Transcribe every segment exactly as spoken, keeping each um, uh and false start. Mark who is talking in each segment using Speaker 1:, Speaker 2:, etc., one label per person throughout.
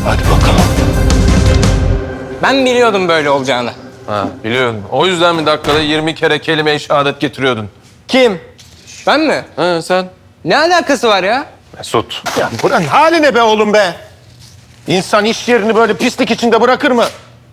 Speaker 1: Hadi bakalım.
Speaker 2: Ben biliyordum böyle olacağını.
Speaker 3: Ha, biliyorum. O yüzden mi dakikada yirmi kere kelime-i şehadet getiriyordun?
Speaker 2: Kim? Ben mi?
Speaker 3: Ha, sen?
Speaker 2: Ne alakası var ya?
Speaker 3: Mesut.
Speaker 1: Ya buranın hali ne be oğlum be? İnsan iş yerini böyle pislik içinde bırakır mı?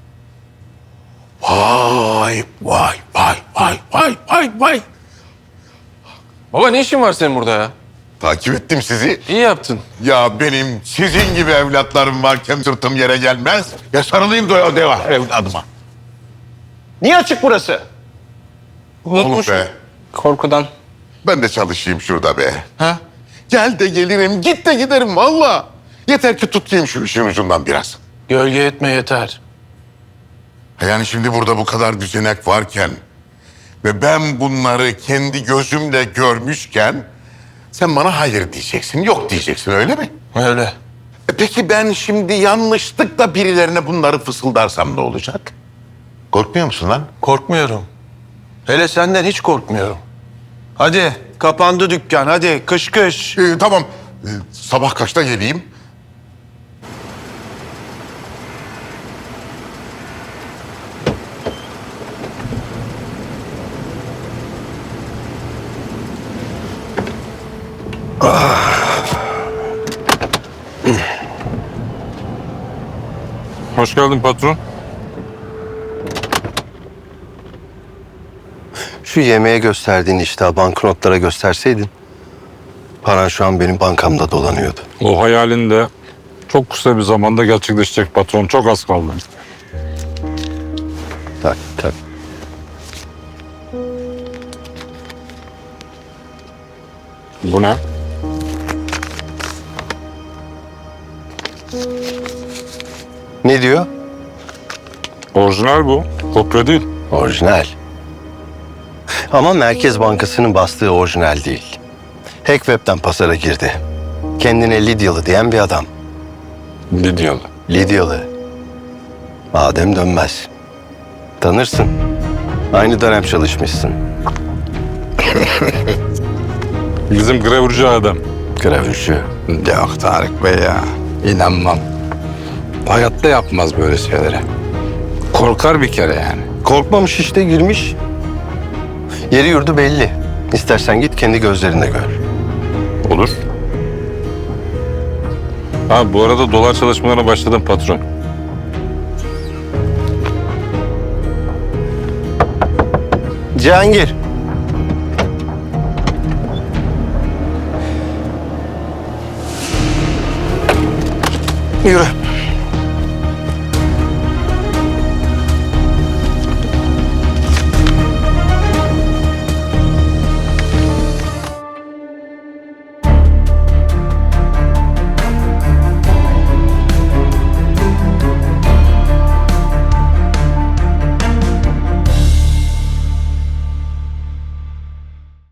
Speaker 1: Vay vay vay vay vay vay vay.
Speaker 3: Baba ne işin var senin burada ya?
Speaker 4: Takip ettim sizi.
Speaker 3: İyi yaptın.
Speaker 4: Ya benim sizin gibi evlatlarım varken sırtım yere gelmez. Ya sarılayım da o deva evladıma.
Speaker 1: Niye açık burası?
Speaker 4: Oğlum be.
Speaker 2: Korkudan.
Speaker 4: Ben de çalışayım şurada be.
Speaker 3: Ha?
Speaker 4: Gel de gelirim, git de giderim valla. Yeter ki tutayım şu işin ucundan biraz.
Speaker 3: Gölge etme yeter.
Speaker 4: Yani şimdi burada bu kadar düzenek varken ve ben bunları kendi gözümle görmüşken sen bana hayır diyeceksin, yok diyeceksin öyle mi?
Speaker 3: Öyle.
Speaker 4: E peki ben şimdi yanlışlıkla birilerine bunları fısıldarsam ne olacak? Korkmuyor musun lan?
Speaker 3: Korkmuyorum. Hele senden hiç korkmuyorum. Hadi kapandı dükkan hadi kış kış.
Speaker 4: Ee, tamam. Ee, sabah kaçta geleyim?
Speaker 5: Hoş geldin patron.
Speaker 6: Şu yemeğe gösterdiğin iştahı banknotlara gösterseydin, paran şu an benim bankamda dolanıyordu.
Speaker 5: O hayalin de çok kısa bir zamanda gerçekleşecek patron. Çok az kaldı.
Speaker 6: Tak tak.
Speaker 5: Bu ne?
Speaker 6: Ne diyor?
Speaker 5: Orijinal bu. Kopya değil.
Speaker 6: Orijinal. Ama Merkez Bankası'nın bastığı orijinal değil. Hackweb'den pazara girdi. Kendine Lidyalı diyen bir adam.
Speaker 5: Lidyalı.
Speaker 6: Lidyalı. Adem Dönmez. Tanırsın. Aynı dönem çalışmışsın.
Speaker 5: Bizim gravürcü adam.
Speaker 6: Gravürcü.
Speaker 7: Yok Tarık Bey ya. İnanmam. Hayatta yapmaz böyle şeylere. Korkar bir kere yani.
Speaker 6: Korkmamış işte, girmiş. Yeri yurdu belli. İstersen git kendi gözlerine gör.
Speaker 5: Olur. Ha bu arada dolar çalışmalarına başladım patron.
Speaker 6: Cihangir. Yürü.